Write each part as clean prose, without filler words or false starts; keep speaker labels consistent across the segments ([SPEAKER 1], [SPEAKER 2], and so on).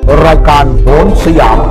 [SPEAKER 1] รายการโหนสยาม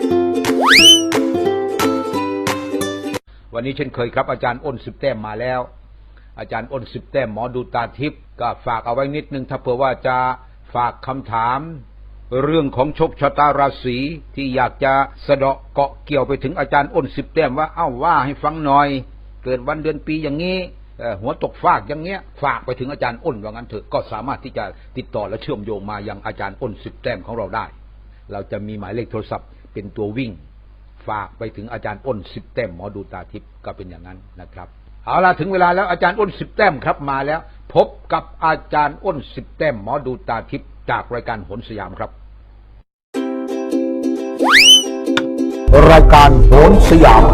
[SPEAKER 1] วันนี้เช่นเคยครับอาจารย์อ้น10 แต้มมาแล้วอาจารย์อ้น10 แต้มหมอดูตาทิพย์ก็ฝากเอาไว้นิดนึงถ้าเผื่อว่าจะฝากคำถามเรื่องของโชคชะตาราศีที่อยากจะสะเดาะเกาะเกี่ยวไปถึงอาจารย์อ้น10 แต้มว่าว่าให้ฟังหน่อยเกิดวันเดือนปีอย่างนี้หัวตกฟากอย่างเงี้ยฝากไปถึงอาจารย์อ้นว่างั้นเถอะก็สามารถที่จะติดต่อและเชื่อมโยงมายังอาจารย์อ้น10 แต้มของเราได้เราจะมีหมายเลขโทรศัพท์เป็นตัววิ่งฝากไปถึงอาจารย์อ้น10 แต้มหมอดูตาทิพย์ก็เป็นอย่างนั้นนะครับเอาล่ะถึงเวลาแล้วอาจารย์อ้น10 แต้มครับมาแล้วพบกับอาจารย์อ้น10 แต้มหมอดูตาทิพย์จากรายการโหนสยามครับรายการโหนสยาม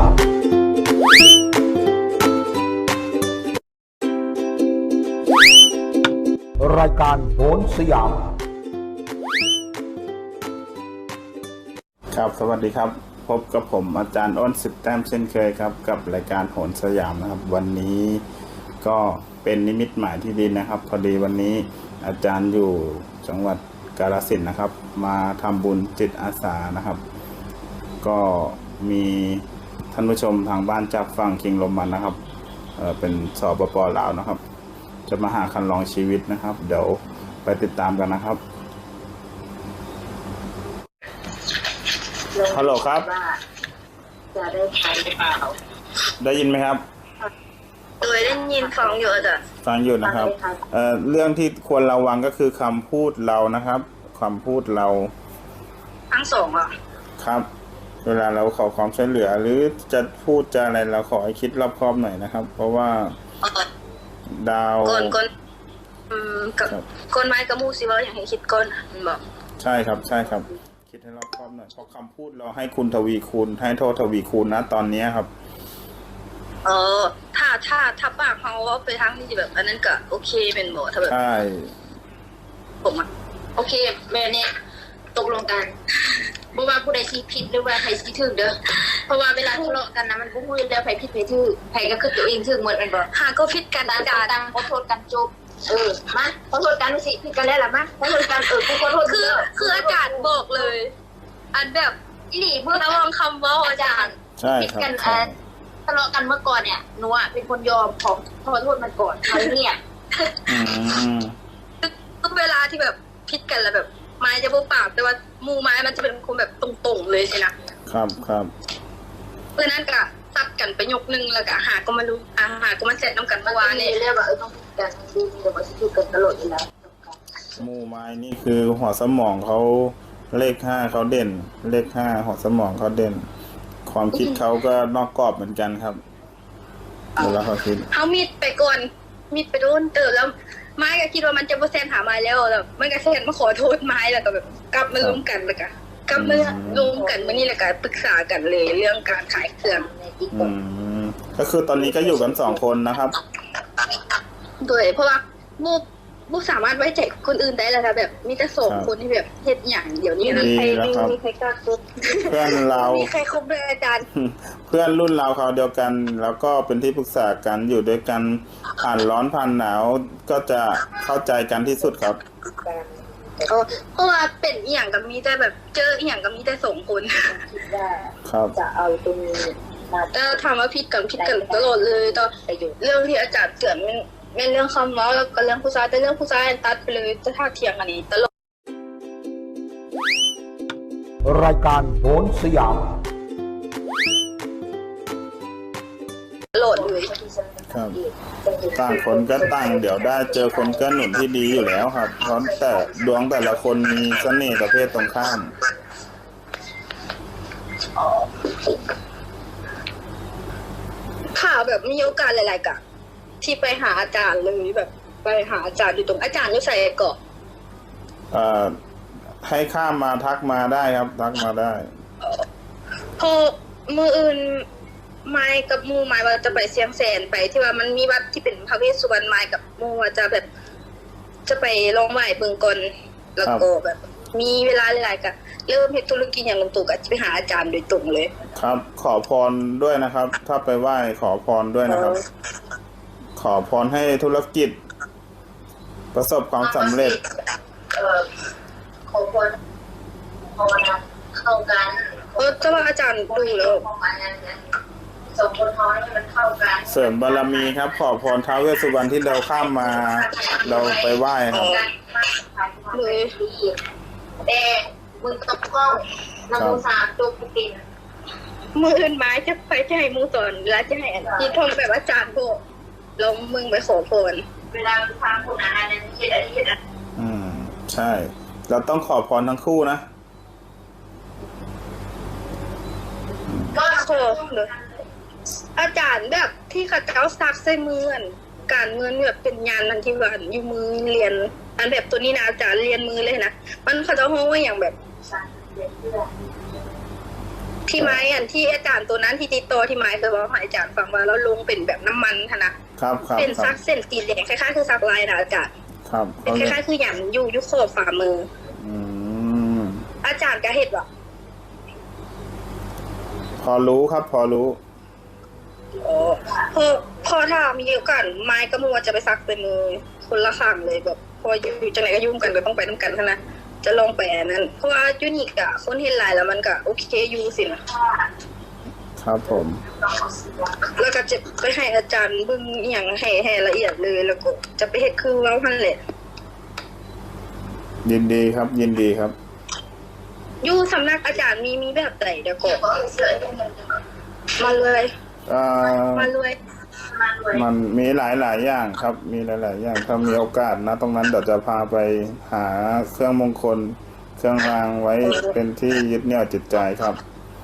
[SPEAKER 1] รายการโหนสยาม
[SPEAKER 2] ครับสวัสดีครับพบกับผมอาจารย์อ้น10 แต้มเช่นเคยครับกับรายการโหนสยามนะครับวันนี้ก็เป็นนิมิตหมายที่ดีนะครับพอดีวันนี้อาจารย์อยู่จังหวัดกาฬสินธุ์นะครับมาทำบุญจิตอาสานะครับก็มีท่านผู้ชมทางบ้านจากฝั่งคิงลมมันนะครับเป็นสปป.ลาวนะครับจะมาหาคันลองชีวิตนะครับเดี๋ยวไปติดตามกันนะครับฮัลโหลครับ
[SPEAKER 3] จะได้ใช้หรือเปล่า
[SPEAKER 2] ได้ยินไหมครับ
[SPEAKER 3] โดยได้ยินฟังอยู่จ้ะ
[SPEAKER 2] ฟังอยู่นะครับเรื่องที่ควรระวังก็คือคำพูดเรานะครับคำพูดเรา
[SPEAKER 3] ทั้งสองอ่ะ
[SPEAKER 2] ครับเวลาเราขอความช่วยเหลือหรือจะพูดจะอะไรเราขอให้คิดรอบคอบหน่อยนะครับเพราะว่าดาว
[SPEAKER 3] ก้นไม้กระมูสิว่าอย่างให้คิดก้นมันบอก
[SPEAKER 2] ใช่ครับใช่ครับคิดให้รอบคอบหน่อยเพราะคำพูดเราให้คุณทวีคูณให้โทษทวีคูณนะตอนนี้ครับ
[SPEAKER 3] ถ้าปากเขาไปทางที่แบบอันนั้นก็โอเคเป็นบ่ถ้าแบบ
[SPEAKER 2] ใช่
[SPEAKER 3] ผมโอเคแม่เนี่ยตกลงกันบ่ว่าผู้ใดสิผิดหรือว่าใครสิถูกเด้อเพราะว่าเวลาทะเลาะกันนะมันบ่ฮู้แล้วไผผิดไผถูกไผก็คือตัวเองถูกหมดแม่นบ่หาก็ผิดกันต่างขอโทษกันจบมาขอโทษกันสิผิดกันแล้วล่ะมาขอโทษกันกูขอโทษคืออาจารย์บอกเลยอันแบบอีหลีเมื่อระวังคำเว้าอาจารย์
[SPEAKER 2] ใช่ครับ
[SPEAKER 3] ทะเลาะกันเมื่อก่อนเนี่ยหนูอ่ะเป็นคนยอมขอโทษมันก่อนเขาเนี่ยทุกเวลาที่แบบผิดกันแล้วแบบไม้จะบุปากแต่ว่ามูไม้มันจะเป็นคนแบบตรงๆเลยใช่ไหม
[SPEAKER 2] ครับ
[SPEAKER 3] เพราะนั้นก็ซัดกันไปยกนึงแล้วก็หาก็มารู้หาก็มาเสร็จน้ำกันเมื่อวานเนี่ยเรียกว่าต้องผิดกันดีๆแต่ว่าจะถูกกันตลอดอยู่แล้ว
[SPEAKER 2] มูไม้นี่คือหัวสมองเขาเลข5เขาเด่นเลข5หัวสมองเขาเด่นความคิดเขาก็นอกกรอบเหมือนกันครับเวลาเขาคิด
[SPEAKER 3] เขามีดไปก่อนมีดไปโดนเติบแล้วไม้ก็คิดว่ามันจะโปรเซนหาไม้แล้วแบบมันก็เซนมาขอโทษไม้แล้วก็แบบกลับมาล้มกันแล้วก็กลับมาล้มกันวันนี้แล้วก็ปรึกษากันเลยเรื่องการขายเครื่อง
[SPEAKER 2] ก็คือตอนนี้ก็อยู่กัน2 คนนะครับ
[SPEAKER 3] โดยเพราะว่าบุสามารถไว้ใจคนอื่นได้แล้วค่ะแบบมีแต่2 คนที่แบบเฮ็ดอย่างเดี๋ยวนี้นะ
[SPEAKER 2] ใคร
[SPEAKER 3] มีใครกล้าคบ
[SPEAKER 2] เพื่อนเรา
[SPEAKER 3] มีใครคบด้วยอาจารย์
[SPEAKER 2] เพื่อนรุ่นเราเขาเดียวกันแล้วก็เป็นที่ปรึกษากันอยู่ด้วยกันผ่านร้อนผ่านหนาวก็จะเข้าใจกันที่สุดครับ
[SPEAKER 3] เพราะว่าเป็นอีหยังกับมีแต่แบบเจออีหยังกับมีแต่2 คน
[SPEAKER 2] ครับ
[SPEAKER 3] จะเอาตรงนี้ถามว่าผิดกันตลอดเลยต่อเรื่องที่อาจารย์เตือนเป็นเรื่องคำเว้าแล้วก็เรื่องผู้ชายแต่เรื่องผู้ชายตัดไปเลยจะท่าเทียงอันนี้ตลอด
[SPEAKER 1] รายการโหนสยาม
[SPEAKER 3] ตลอดเลย
[SPEAKER 2] ครับต่างคนก็ต่างเดี๋ยวได้เจอคนเกื้อหนุนที่ดีอยู่แล้วครับเพราะแต่ดวงแต่ละคนมีเสน่ห์ประเภทตรงข้าม
[SPEAKER 3] ค่ะแบบมีโอกาสหลายๆกะที่ไปหาอาจารย์เลยแบบไปหาอาจารย์อยู่ตรงอาจารย์อยู่ใส่เกาะ
[SPEAKER 2] ให้ข้ามมาทักมาได้ครับทักมาได้
[SPEAKER 3] พอมืออื่นไม้กับมูไม้ว่าจะไปเชียงแสนไปที่ว่ามันมีวัดที่เป็นพระเวสสุวรรณไม้กับมูว่าจะแบบจะไปลองไหว้เบิ่งก่อนแล้วก็แบบมีเวลาหลายๆกะเริ่มเฮ็ดธุรกิจอย่างลงตัวก็จะไปหาอาจารย์โดยตรงเลย
[SPEAKER 2] ครับขอพรด้วยนะครับถ้าไปไหว้ขอพรด้วยนะครับขอพรให้ธุรกิจประสบความสำเร็จ
[SPEAKER 3] ขอพรเข้ากัน
[SPEAKER 4] จะว่าอาจารย์ดูแล้ว
[SPEAKER 3] สองคนท้องให้มันเข้ากัน
[SPEAKER 2] เสริมบารมีครับ ขอพรท้าวเวสสุวรรณที่เราข้ามมาเราไปไหว้ครับ
[SPEAKER 4] เลย
[SPEAKER 3] แต่มึงต้องกล้องนำมือสามตัวกูติน
[SPEAKER 4] มืออื่นไม้จะไปจะให้มือสอนแล้วจะให้ที่ทำแบบอาจารย์โบลงมึงไปขอพร
[SPEAKER 3] เวลามึงฟังคนอ่านนั้นคิดอะไรคิดอะไร
[SPEAKER 2] ใช่ เราต้องขอพรทั้งคู่นะ
[SPEAKER 3] ก็
[SPEAKER 4] ขอเลยอาจารย์แบบที่ข้าเจ้าซักใส่มือการเงินแบบเป็นยานนันทิวันอยู่มือเรียนอันแบบตัวนี้นะอาจารย์เรียนมือเลยนะมันเขาจะห้องว่าอย่างแบบที่ไม้ที่อาจารย์ตัวนั้นที่ติดต่อที่ไม้เคยบอกให้อาจารย์ฟังว่าแล้วลงเป็นแบบน้ำมันนะครับเป็นซักเส้นสีแดงคล้ายๆคือซักลายนะอาจารย์
[SPEAKER 2] ครับ
[SPEAKER 4] เป็นคล้ายๆคืออย่างอยู่ยุคขอบฝ่ามือ
[SPEAKER 2] ม
[SPEAKER 4] อาจารย์ก็เห็นว่า
[SPEAKER 2] พอรู้ครับ พอรู้
[SPEAKER 4] พอถ้ามีโอกาสไม้ก็มัวจะไปซักเป็นมือคนละข้างเลยแบบพออยู่จังไหนก็ยุ่งกันก็ต้องไปน้ำกันนะจะลองไปอันนั้นเพราะว่ายูนิคอะคนเห็นหลายแล้วมันก็โอเคอยู่สินะครับ
[SPEAKER 2] ผม
[SPEAKER 4] แล้วก็จะไปให้อาจารย์เบิ่งอหย่างให้ละเอียดเลยแล้วก็จะไปเฮ็ดคือเราพันแหละ
[SPEAKER 2] ยินดีครับ ยินดีครับ
[SPEAKER 4] อยู่สำนักอาจารย์มีแบบไหนเดี๋ยวก็มาเลย มาเลย
[SPEAKER 2] มันมีหลายอย่างครับ มีหลายอย่างถ้ามีโอกาสนะตรงนั้นเดี๋ยวจะพาไปหาเครื่องมงคล เครื่องรางไว้เป็นที่ยึดเหนี่ยวจิตใจครับ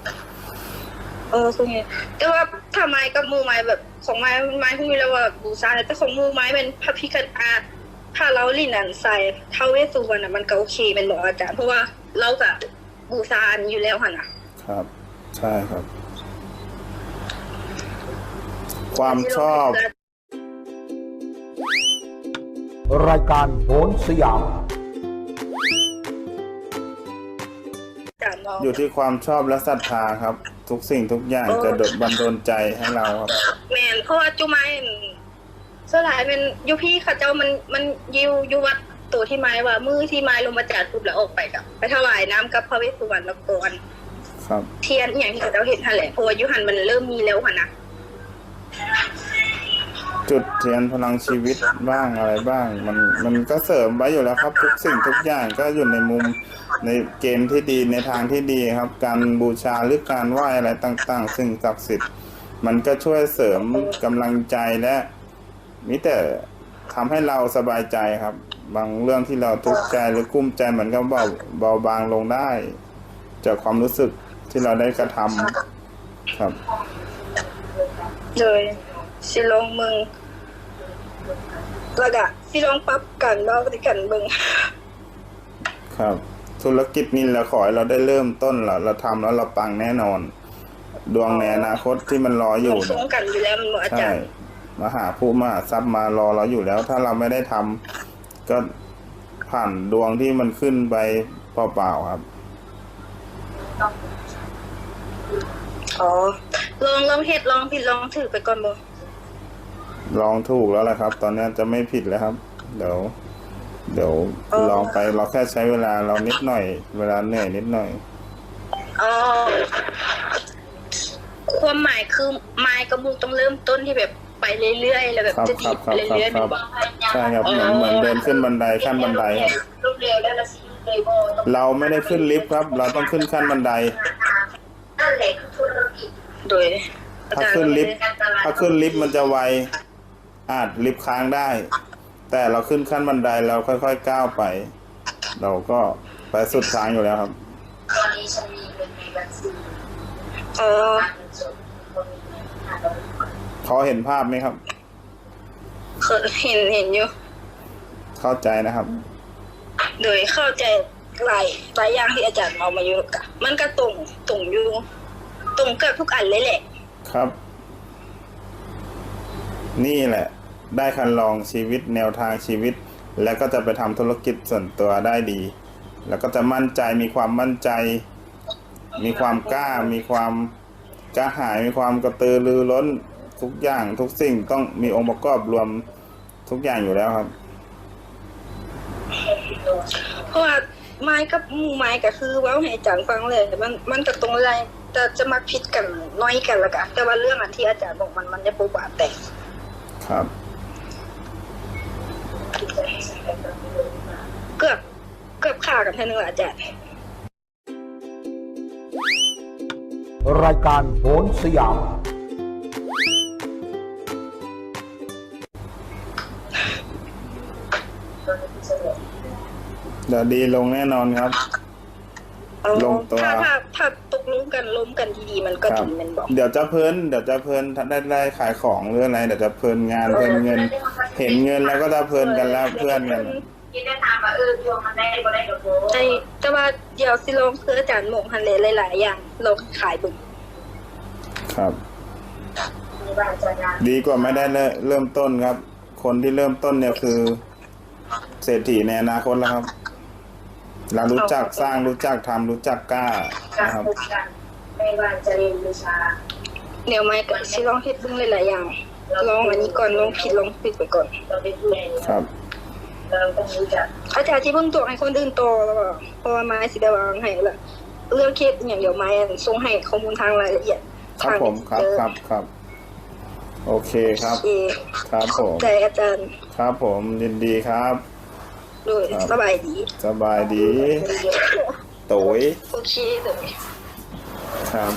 [SPEAKER 4] คือไงแต่ว่าถ้าไม้กับมูไม้แบบของไม้ที่มีแล้วว่าบูชาแต่ของมูไม้เป็นพระพิฆเนศถ้าเราลิ่นอันใส่ท้าวเวสสุวรรณมันก็โอเคเป็นบอกอาจารย์เพราะว่าเราก็บูชาอันอยู่แล้วค่ะนะครับ
[SPEAKER 2] ใช่ครับ ความชอบ
[SPEAKER 1] รายการโหนสยาม
[SPEAKER 4] อาจารย์มอง
[SPEAKER 2] อยู่ที่ความชอบและศรัทธาครับ ทุกสิ่งทุกอย่างจะบันดาลใจให้เราครับ
[SPEAKER 4] แมนเพราะว่าจุไม้สลายเป็นยูพี่ข้าเจ้ามันยูวัดตัวที่ไม้ว่ามือที่ไม้ลงมาจากปุ๊บแล้วออกไปกับไปถวายน้ำกับพระเวสสุวรรณแล้วก่อน
[SPEAKER 2] ครับ
[SPEAKER 4] เทียนอย่างที่ข้าเจ้าเห็นทันแหละเพราะว่ายุหันมันเริ่มมีแล้วค่ะนะ
[SPEAKER 2] จุดเทียนพลังชีวิตบ้างอะไรบ้าง มันก็เสริมไว้อยู่แล้วครับ ทุกสิ่งทุกอย่างก็อยู่ในมุมในเกณฑ์ที่ดีในทางที่ดีครับ การบูชาหรือการไหว้อะไรต่างๆซึ่งศักดิ์สิทธิ์มันก็ช่วยเสริมกำลังใจและมิแต่ทำให้เราสบายใจครับ บางเรื่องที่เราทุกข์ใจหรือกุ้มใจเหมือนกับเบาบางลงได้ จากความรู้สึกที่เราได้กระทำครับ
[SPEAKER 4] เลยสิลองมึงแล้วก็สิลองปรับกันเบาไปกันเบิ่ง
[SPEAKER 2] ครับ ธุรกิจนี่เราขอให้เราได้เริ่มต้นเราทำแล้วเราปังแน่นอน ดวงในอนาคตที่มันรออยู่
[SPEAKER 4] มันสูงกันอยู่แล้วมันเหมือนอา
[SPEAKER 2] ใช่
[SPEAKER 4] จารย์
[SPEAKER 2] มหาผู้มหาทรัพย์มารอเราอยู่แล้ว ถ้าเราไม่ได้ทำก็ผ่านดวงที่มันขึ้นไปเปล่าๆครับ
[SPEAKER 4] อ๋อลองเฮ็ดลองผิดลองถือไปก่อนบ่
[SPEAKER 2] ลองถูกแล้วแหละครับ ตอนนี้จะไม่ผิดแล้วครับ เดี๋ยวลองไปเราแค่ใช้เวลาเรานิดหน่อย เวลาเหนื่อยนิดหน่อย
[SPEAKER 4] อ๋อความหมายคือไม้กับมูต้องเริ่มต้นที่แบบไปเรื่อยๆแล้วแบบ
[SPEAKER 2] ครับ
[SPEAKER 4] จะ
[SPEAKER 2] ค
[SPEAKER 4] ดี
[SPEAKER 2] รับ
[SPEAKER 4] ไปเรื่อยๆ
[SPEAKER 2] ครั
[SPEAKER 4] แบบ บ
[SPEAKER 2] ใช่ครับเหมือนเดินขึ้นบันไดขั้นบันไดครับ
[SPEAKER 3] รูปเร็วแล้วละสิเลยโบต้อง
[SPEAKER 2] เราไม่ได้ขึ้นลิฟต์ครับ เราต้องขึ้นขั้นบันได
[SPEAKER 3] นั่นแหละคือธุรกิจ
[SPEAKER 4] โดยอา
[SPEAKER 2] ถ้า
[SPEAKER 4] จารย์
[SPEAKER 2] ขึ้นลิฟต์มันจะไวอาจลิฟต์ค้างได้ แต่เราขึ้นขั้นบันไดเราค่อยๆก้าวไป เราก็ไปสุดทางอยู่แล้วครับ
[SPEAKER 3] ตอนนี้ฉันมีเงินในบัญชี
[SPEAKER 4] อ๋อ
[SPEAKER 3] เงินสดคนมีเงิน500
[SPEAKER 2] พอเห็นภาพไหมครับ
[SPEAKER 4] เคยเห็นอยู่
[SPEAKER 2] เข้าใจนะครับ
[SPEAKER 4] โดยเข้าใจหลายอย่างที่อาจารย์เอามาอยู่กะมันก็ตรงอยู่ตรงเกือบทุกอันเลยแหละ
[SPEAKER 2] ครับ นี่แหละ ได้คันลองชีวิตแนวทางชีวิต แล้วก็จะไปทำธุรกิจส่วนตัวได้ดี แล้วก็จะมั่นใจมีความมั่นใจ มีความกล้า มีความกล้าหาญมีความกระตือรือร้นทุกอย่างทุกสิ่งต้องมีองค์ประกอบรวมทุกอย่างอยู่แล้วครับ
[SPEAKER 4] เพราะว่าไม้กับหมู่ไม้ก็คือเว้าให้อาจารย์ฟังเลยมันก็ตรงอะไรแต่จะมาผิดกันน้อยกันละกันแต่ว่าเรื่องอันที่อาจารย์บอกมันจะบ่บาดแต่
[SPEAKER 2] ครับ
[SPEAKER 4] เกือบฆ่ากันแท้นึงละอาจารย์
[SPEAKER 1] รายการโหนสยาม
[SPEAKER 2] เดี๋ยวดีลงแน่นอนครับ ลงตัว
[SPEAKER 4] ถ้าตกลงกันล้มกันดีๆมันก็
[SPEAKER 2] ครับ
[SPEAKER 4] ดีแมันบอก
[SPEAKER 2] เดี๋ยวจะเพลินถ้าได้ขายของหรืออะไรเดี๋ยวจะเพลินงานเพลินเงิน เห็นเงินแล้วก็จะเพลินกันแล้วเพื่อนกัน
[SPEAKER 3] กินได้ถามว่าโยมมันได้บ่ได้กับโบ
[SPEAKER 4] แต่ว่าเดี๋ยวสิลองคืออาจารย์หมงฮันเลยหลายๆอย่างลองขายบึง
[SPEAKER 2] ครับ
[SPEAKER 3] มีบ้านจะงาน
[SPEAKER 2] ดีกว่าไม่ได้เริ่มต้นครับ คนที่เริ่มต้นเนี่ยคือเศรษฐีในอนาคตแล้วครับ เรารู้จักสร้างรู้จักทำรู้จักกล้า
[SPEAKER 3] การ
[SPEAKER 2] นะครับ
[SPEAKER 3] พบกันไม่ว่าจะเรียนวิชา
[SPEAKER 4] เดี๋ยวไม่ก็สิลองเฮ็ดบึงหลายๆอย่างลองอันนี้ก่อนลองผิดลองผิดไปก่อน
[SPEAKER 3] เราเป็นผู้เรียน
[SPEAKER 2] ครับ
[SPEAKER 3] เราต้องรู้จัก
[SPEAKER 4] อาจารย์ที่เพิ่งตัวให้คนอื่นโตแล้วก็เพราะว่าไม้สิได้วางให้ละเรื่องเคสอย่างเดียวไม้ส่งให้ข้อมูลทางรายละเอียด
[SPEAKER 2] ครับผมครับ
[SPEAKER 4] ทาง
[SPEAKER 2] ครับ โอเคครับ
[SPEAKER 4] โอเค
[SPEAKER 2] ครับผม
[SPEAKER 4] ใจอาจารย์
[SPEAKER 2] ครับผมยินดีครับ
[SPEAKER 4] ด้วย
[SPEAKER 2] ครับ
[SPEAKER 4] สบายดี
[SPEAKER 2] สบายดีโตย
[SPEAKER 4] โอเคเลย
[SPEAKER 2] ครับ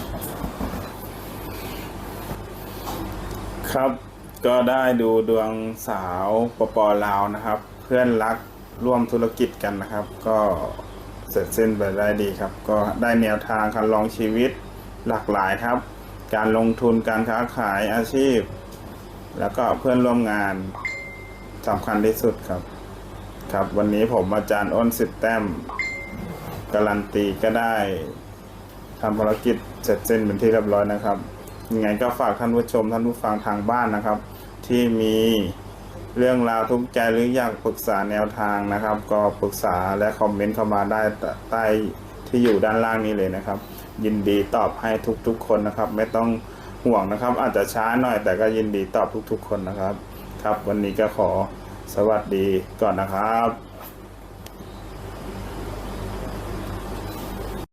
[SPEAKER 2] ครับ ก็ได้ดูดวงสาวปลาวนะครับ เพื่อนรักร่วมธุรกิจกันนะครับ ก็เสร็จสิ้นไปได้ดีครับ ก็ได้แนวทางการลองชีวิตหลากหลายครับ การลงทุนการค้าขายอาชีพ แล้วก็เพื่อนร่วมงานสำคัญที่สุดครับ ครับวันนี้ผมอาจารย์อ้น10 แต้มการันตีก็ได้ทำภารกิจเสร็จสิ้นเป็นที่เรียบร้อยนะครับยังไงก็ฝากท่านผู้ชมท่านผู้ฟังทางบ้านนะครับ ที่มีเรื่องราวทุกข์ใจหรืออยากปรึกษาแนวทางนะครับ ก็ปรึกษาและคอมเมนต์เข้ามาได้ใต้ที่อยู่ด้านล่างนี้เลยนะครับ ยินดีตอบให้ทุกๆคนนะครับ ไม่ต้องห่วงนะครับ อาจจะช้าหน่อยแต่ก็ยินดีตอบทุกๆคนนะครับ ครับวันนี้ก็ขอสวัสดีก่อนนะครับ